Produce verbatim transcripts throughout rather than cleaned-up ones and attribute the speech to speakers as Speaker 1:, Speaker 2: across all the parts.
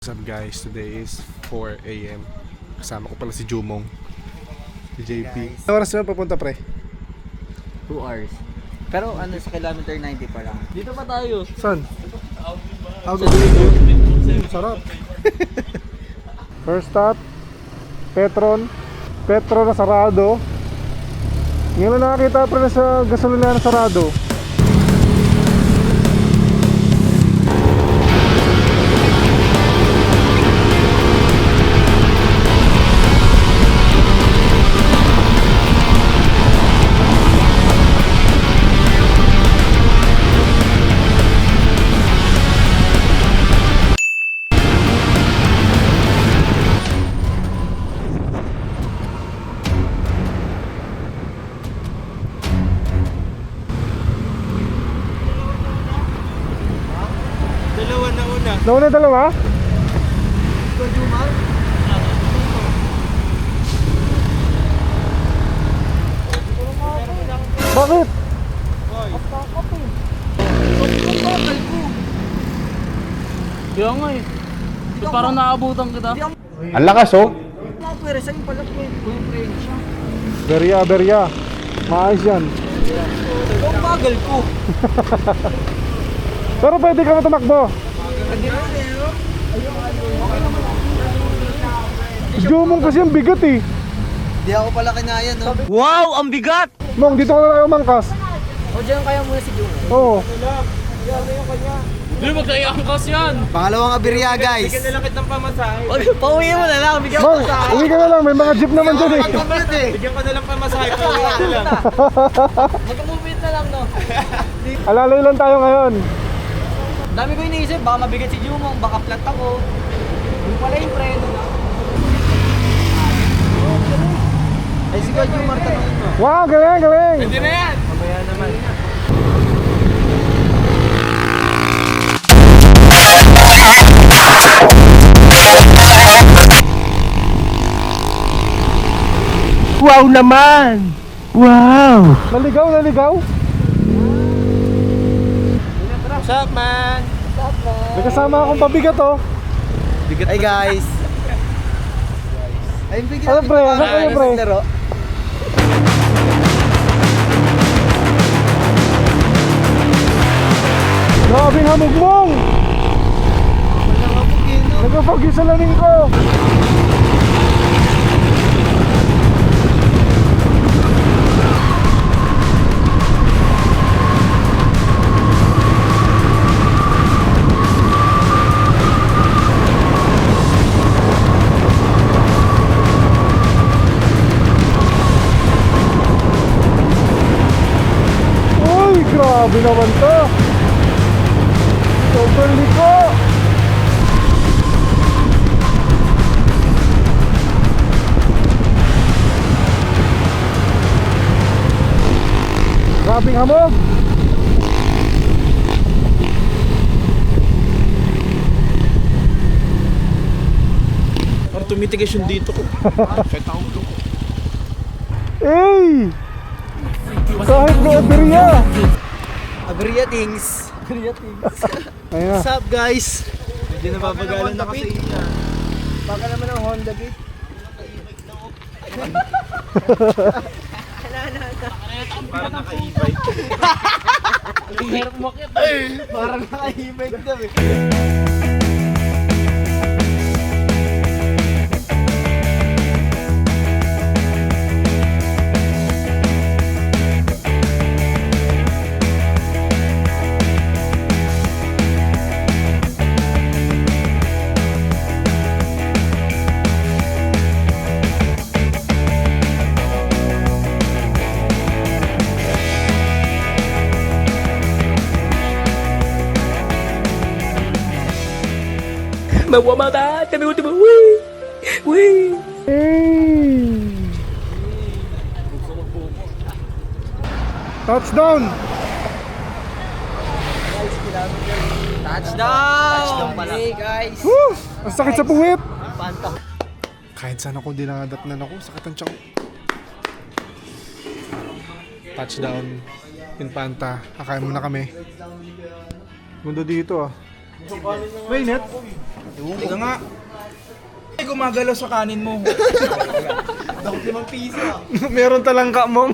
Speaker 1: What's up guys, today is four a m Kasama ko pala si Jumong, si J P. Ano oras na papunta pre?
Speaker 2: two hours. Pero ano, sa kilometer ninety pa lang. Dito pa tayo.
Speaker 1: Saan? Out of the sarap. First stop, Petron. Petron na sarado. Ngayon lang nakakita pre na sa gasolina na sarado. Nauna yung dalawa? Bakit?
Speaker 3: Kaya nga eh. Ba't parang naabutan kita?
Speaker 1: Ang lakas oh.
Speaker 2: Pwede sa'yo pala po yung friend siya.
Speaker 1: Berya, berya. Maayos yan.
Speaker 2: Ang bagal ko.
Speaker 1: Pero pwede ka na tumakbo. Jumong kasi ang bigat eh.
Speaker 2: Hindi ako pala kinaya, no? Wow! Ang bigat!
Speaker 1: Mong, dito ka na lang umangkas.
Speaker 2: O, dyan kaya muna si Jung.
Speaker 1: Oo.
Speaker 3: Hindi, magkaiangkas yan!
Speaker 2: Pangalawang aberya, guys. Bigyan na lang kitang pamasahe. Pauwi mo na lang, bigyan
Speaker 1: Mong, uwi ka na lang. May mga jeep naman dyan eh.
Speaker 2: Bigyan ko na lang pamasahe, pauwi na lang. Magkamumit na lang, no?
Speaker 1: Alalay lang tayo ngayon.
Speaker 2: Dami ko iniisip, baka mabigat si Jumong, baka flat ako. Yung pala yung preno na. Ay, si Kuya Jumar, tanongin mo.
Speaker 1: Wow, galing, galing.
Speaker 3: Hindi na yan!
Speaker 2: Mamaya naman.
Speaker 4: Wow naman! Wow!
Speaker 1: Naligaw, naligaw.
Speaker 2: What's up, man?
Speaker 1: May kasama akong pabigat oh.
Speaker 2: Hey, guys. Ay, bigyan
Speaker 1: Ano pre? Ano kayo pre?
Speaker 2: laro.
Speaker 1: Grabe ang hamog mong. Nagpapag yung salamin ko. Uy, grabe naman to. Sobrang liko. Grabing hamog.
Speaker 3: Parang tumitigas yung dito ko.
Speaker 1: Ey! Kahit na aberya.
Speaker 2: Aberya things. Aberya things.
Speaker 1: Ayun na.
Speaker 2: What's up, guys? Medyo napapagalan na kasi. Baka naman ang Honda Beat.
Speaker 3: Parang naka-e-bike. Hirap makit.
Speaker 2: Parang naka-e-bike daw eh.
Speaker 4: Mawamada! Kami ultimo! Wee! Wee!
Speaker 1: Hey! Touchdown!
Speaker 2: Touchdown! Touchdown pala. Hey, guys.
Speaker 1: Woo! Ang sakit sa puwit!
Speaker 2: Panta.
Speaker 1: Kahit sana kung dinangadatnan ako, sakit ang tiyan ko. Touchdown. Infanta. Kakain muna kami. Mundo dito ah. Mainit?
Speaker 5: Ika nga. Ay, gumagalaw sa kanin mo.
Speaker 2: Dapat limang piso ah.
Speaker 1: Meron talangka mong.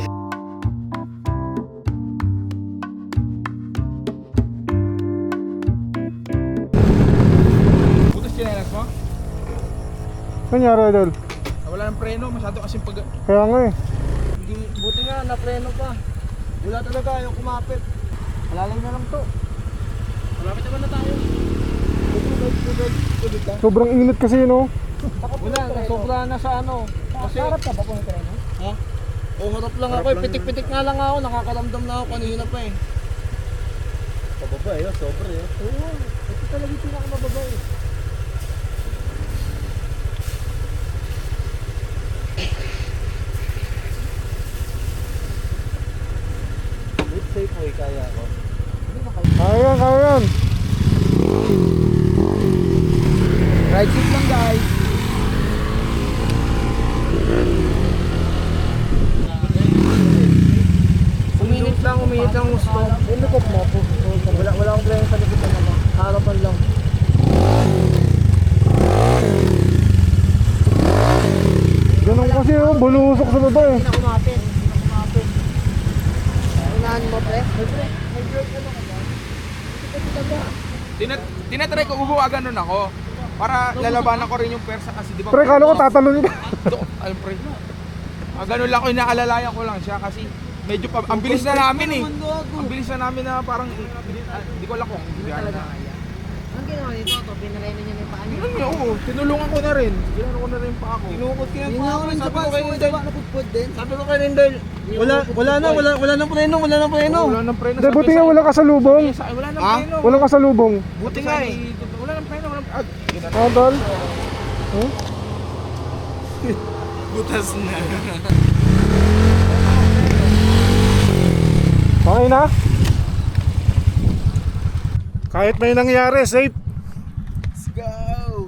Speaker 5: Butas chinelas mo?
Speaker 1: Nangyari, Idol?
Speaker 5: Ah, wala ng preno, masyado kasing pag...
Speaker 1: Kaya nga eh.
Speaker 2: Hindi, buti nga, napreno pa. Wala talaga, ayaw kumapit. Malalim na lang to.
Speaker 3: Malapit naman na tayo.
Speaker 1: Sobrang init kasi, no?
Speaker 2: Wala, sobra na sa ano. Kasi, harap ka ba po ng treno?
Speaker 3: Ha? O harap lang ako eh. Pitik-pitik nga lang ako. Nakakaramdam na ako kanina pa eh.
Speaker 2: Pababa eh, sobra eh. Oo, ito talaga yung pinakamababa eh. Wait, safe boy, kaya ako.
Speaker 1: Kaya yan, kaya yan.
Speaker 2: Right seat lang guys. Uminit lang, uminit lang gusto. Yung likod mo po. Wala, wala akong plano sa likod naman. Harapan lang.
Speaker 1: Ganun kasi, oh. Bulusok sa baba eh.
Speaker 2: Hindi na kumapit. Hindi na kumapit. Unahan mo pre. May break. May break ano ka ba? Hindi ka ba?
Speaker 5: Tinat tinatry ko, ubuwagan nun ako. Para lalabanan ko rin yung persa kasi di ba?
Speaker 1: Pre, kala ko tatalonin ka.
Speaker 5: Do- Alam pre. Ah, ganun lang ko, inaalalayan ko lang siya kasi medyo pa, ang bilis na namin eh. Ang bilis na namin na parang, ah, hindi ko alam kung hindi
Speaker 2: Talaga kaya. Anong ginawa nito? To, pinareno niya na yung paa niya.
Speaker 5: Ganun niya, oo. Tinulungan ko na rin. Ginano ko na rin pa ako.
Speaker 2: Tinukot ko yung
Speaker 3: Yun
Speaker 2: paa
Speaker 3: nga
Speaker 2: ko.
Speaker 3: rin,
Speaker 2: Sabi
Speaker 3: sabi
Speaker 2: ko
Speaker 3: ko
Speaker 2: kay
Speaker 3: kay
Speaker 2: Rindel.
Speaker 3: Rindel.
Speaker 2: Naputput din.
Speaker 3: Sabi ko kay Rindel, wala, wala na, wala, wala nang preno, wala nang preno.
Speaker 5: Wala nang preno.
Speaker 1: Hindi, buti nga walang kasalubong.
Speaker 5: Sa akin, wala nang
Speaker 3: Ah?
Speaker 5: preno.
Speaker 1: Walang kasalubong.
Speaker 5: Buti nga eh. Wala nang preno. Walang... Ah, yun na.
Speaker 1: Ah, Dol? Huh?
Speaker 3: Butas na.
Speaker 1: Okay na? Kahit may nangyari, safe.
Speaker 5: Let's go.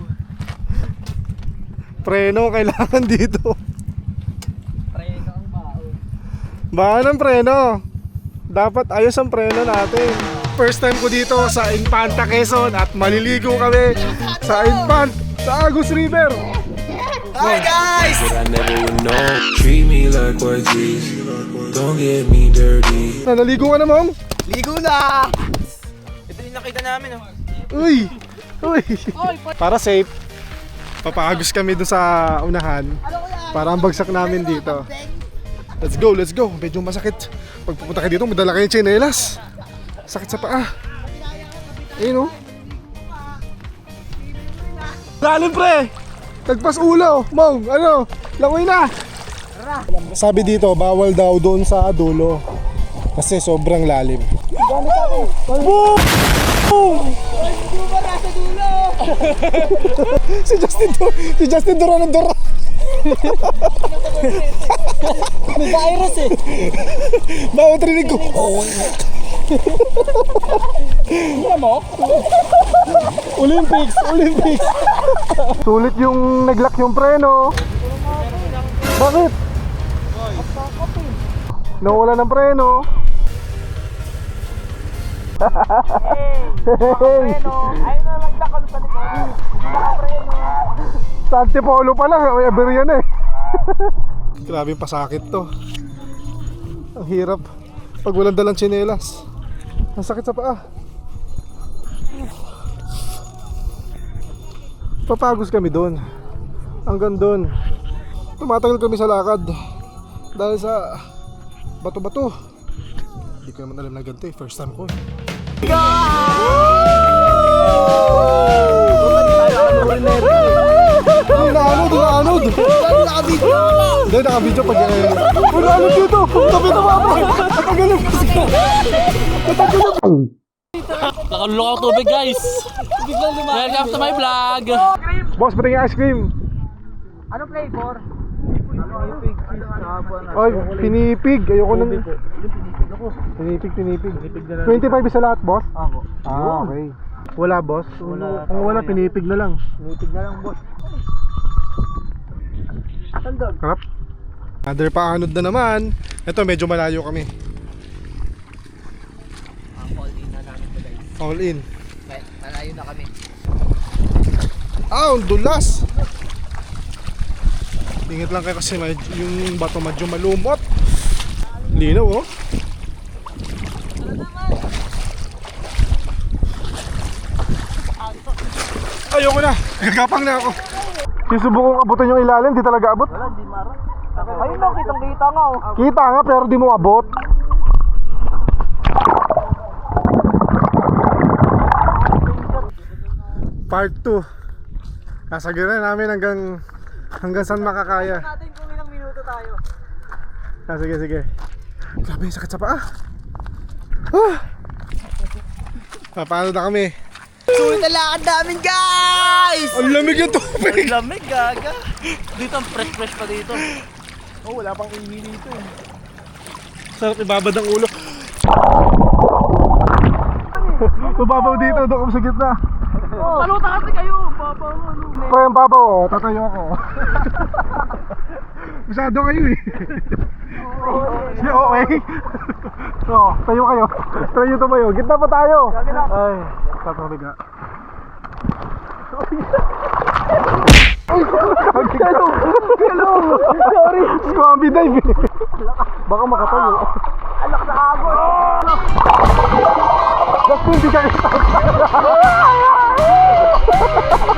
Speaker 1: Preno kailangan dito.
Speaker 2: Preno ang bao.
Speaker 1: Baka ng preno. Dapat ayos ang preno natin. First time ko dito sa Infanta, Quezon at maliligo kami sa Infant, sa Agus River.
Speaker 2: Hi guys!
Speaker 6: But I never would know. Treat me like what G's. Don't get me dirty.
Speaker 1: Nalaligo ka na, Mom?
Speaker 2: Ligo na!
Speaker 5: Ito yung nakita namin oh.
Speaker 1: Uy! Uy! Para safe, papaagos kami dun sa unahan para ang bagsak namin dito. Let's go, let's go. Medyo masakit. Pag pupunta kayo dito, madala kayo tsinelas. Sakit sa paa. Ayun, oh. Lalim, pre! Tagpas ulo! Mong, ano? Langoy na! Sabi dito, bawal daw doon sa dulo. Kasi sobrang lalim. Boom! si Justin Dur si Justin Duran ng Duran.
Speaker 2: May virus eh!
Speaker 1: Bawat rinig ko.
Speaker 2: Hindi mo?
Speaker 1: Olympics, Olympics. Sulit yung naglock yung preno. Bakit? Nawala ng preno. Hey!
Speaker 2: Ay na naglock ako sa likod. Preno.
Speaker 1: Sa Antipolo pa lang, may aber yan eh. Grabe yung pasakit to. Ang hirap pag walang dalang tsinelas. Ang sakit sa paa. Papagos kami doon. Hanggang doon. Tumatagal kami sa lakad. Dahil sa bato-bato. Hindi ko naman alam na ganito eh. First time ko eh. Doon na ano, doon na ano. Nakabidyo. Hindi, nakabidyo pag eh. Wala ano dito. Tabi na mga bro. Natagalan kasi ka. Natagalan.
Speaker 3: Nakalulok ako tubig guys. Welcome to my vlog.
Speaker 1: Boss, pati yung ice cream.
Speaker 2: Ano flavor?
Speaker 1: Ay, pinipig. Ayoko nang... Pinipig, pinipig. twenty-five isa lahat, boss?
Speaker 2: Ako.
Speaker 1: Ah, okay. Wala, boss?
Speaker 2: Wala.
Speaker 1: Kung wala, pinipig na lang.
Speaker 2: Nitig na lang boss. Tandog.
Speaker 1: Harap. Another paanod na naman. Ito, medyo malayo kami.
Speaker 2: Ang all in na namin to guys.
Speaker 1: All in.
Speaker 2: Kaya Malayo na kami.
Speaker 1: Ah, ang dulas. Ingat lang kayo kasi med- yung bato medyo malumot. Linaw oh. Ayoko na. Gagapang na ako. Sinusubukong abutin yung ilalim, di talaga abot.
Speaker 2: Wala, di mara. Ayun lang, kitang kita nga oh.
Speaker 1: Kita nga pero di mo abot. Part two. Sasagiran namin hanggang hanggang saan makakaya.
Speaker 2: Natin kung ilang minuto tayo.
Speaker 1: Ah, sige, sige. Grabe, sakit sa paa. Ah! Ah, paano na kami?
Speaker 2: Sulit na lakad namin, guys!
Speaker 1: Ang lamig yung tubig!
Speaker 3: Lamig, gaga. Dito ang fresh-fresh pa dito.
Speaker 1: Oh, wala pang ini dito eh. Sarap ibabad ang ulo. Tubabaw dito, doon kami sa gitna.
Speaker 3: Paluta kasi kayo. Papa, ano.
Speaker 1: Pre, ang babaw, oh, tatayo ako. Masyado kayo eh. Si O A. Oh, tayo kayo. Try nyo tumayo. Gitna pa tayo. Ay, tatawag nga. Hello! Hello! Sorry! Squamby dive eh. Baka makatayo.
Speaker 2: Alak na ako!
Speaker 1: Basta hindi ka kita.